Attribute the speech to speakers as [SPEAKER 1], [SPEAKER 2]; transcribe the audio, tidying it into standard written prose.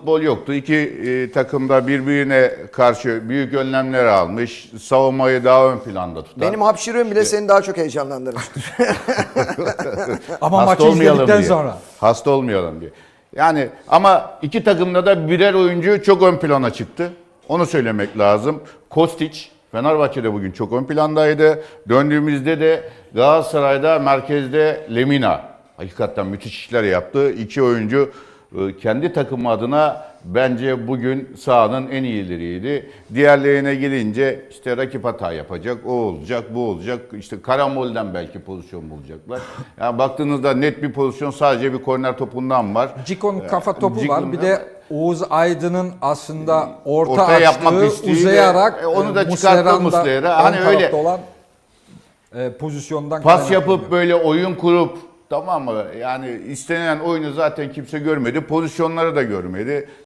[SPEAKER 1] futbol yoktu. İki takım da birbirine karşı büyük önlemler almış. Savunmayı daha ön planda tutan.
[SPEAKER 2] Benim hapşırığım bile seni daha çok heyecanlandırmıştır.
[SPEAKER 3] Ama
[SPEAKER 1] Hasta
[SPEAKER 3] maçı
[SPEAKER 1] olmayalım
[SPEAKER 3] izledikten
[SPEAKER 1] diye.
[SPEAKER 3] sonra.
[SPEAKER 1] Hasta olmayalım diye. Yani ama iki takımda da birer oyuncu çok ön plana çıktı. Onu söylemek lazım. Kostić Fenerbahçe'de bugün çok ön plandaydı. Döndüğümüzde de Galatasaray'da merkezde Lemina. Hakikaten müthiş işler yaptı. İki oyuncu kendi takımı adına bence bugün sahanın en iyileriydi. Diğerlerine gelince işte rakip hata yapacak, o olacak, bu olacak. İşte karambolden belki pozisyon bulacaklar. Yani baktığınızda net bir pozisyon sadece bir korner topundan var.
[SPEAKER 3] Cikon'un kafa topu var.
[SPEAKER 1] Cikon'un
[SPEAKER 3] Bir de Oğuz Aydın'ın aslında orta
[SPEAKER 1] ortaya yapmak
[SPEAKER 3] açtığı,
[SPEAKER 1] isteğiyle,
[SPEAKER 3] uzayarak
[SPEAKER 1] onu da
[SPEAKER 3] Muslera'nın
[SPEAKER 1] çıkarttı
[SPEAKER 3] da
[SPEAKER 1] Muslera.
[SPEAKER 3] ön
[SPEAKER 1] Hani öyle
[SPEAKER 3] tarafta olan pozisyondan
[SPEAKER 1] pas
[SPEAKER 3] kaynaklanıyor.
[SPEAKER 1] yapıp böyle oyun kurup, tamam mı? Yani istenilen oyunu zaten kimse görmedi. Pozisyonları da görmedi.